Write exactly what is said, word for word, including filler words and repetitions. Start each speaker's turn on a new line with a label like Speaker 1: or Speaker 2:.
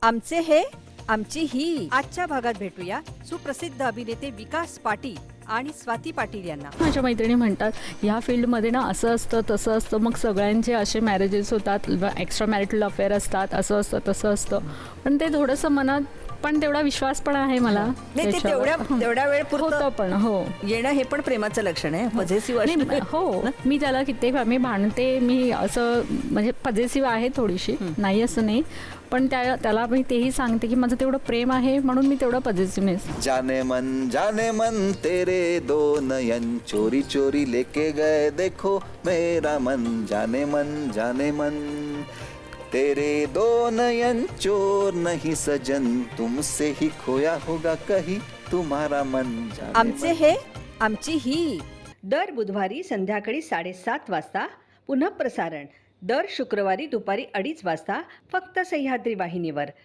Speaker 1: आमचे हे आमची ही आजच्या भागात भेटूया सुप्रसिद्ध अभिनेते विकास पाटील आणि स्वाती पाटील यांना.
Speaker 2: माझ्या मैत्रिणी म्हणतात ह्या फील्डमध्ये ना असं असतं तसं असतं, मग सगळ्यांचे असे मॅरेजेस होतात, एक्स्ट्रा मॅरिटल अफेअर असतात, असं असतं तसं असतं. पण ते थोडंसं मनात पण तेवढा विश्वास पण आहे मला.
Speaker 1: नाही ते
Speaker 2: त्याच्यावर.
Speaker 1: तेवढ्या तेवढ्या वेळ
Speaker 2: होतं
Speaker 1: पुरतं
Speaker 2: पण हो
Speaker 1: येणं हे पण प्रेमाचं लक्षण आहे. पॉझिटिव्ह
Speaker 2: नाही, हो मी त्याला कित्येक वेळा मी भांडते, मी असं म्हणजे पॉझिटिव्ह आहे थोडीशी, नाही असं नाही, पण त्या त्याला मी तेही सांगते की माझं तेवढं प्रेम आहे म्हणून मी तेवढं पॉझिटिव्हनेस.
Speaker 3: जाने मन जाने मन तेरे दो नयन चोरी चोरी लेके गए देखो मेरा मन जाने मन जाने मन तेरे दो नयन चोर नहीं सजन तुमसे ही खोया होगा कहीं तुम्हारा मन जाने
Speaker 1: आमचे
Speaker 3: मन.
Speaker 1: हे आमची ही दर बुधवारी संध्याकाळी साडेसात वाजता पुनः प्रसारण दर शुक्रवारी दुपारी अडीच वाजता फक्त सह्याद्री वाहिनीवर.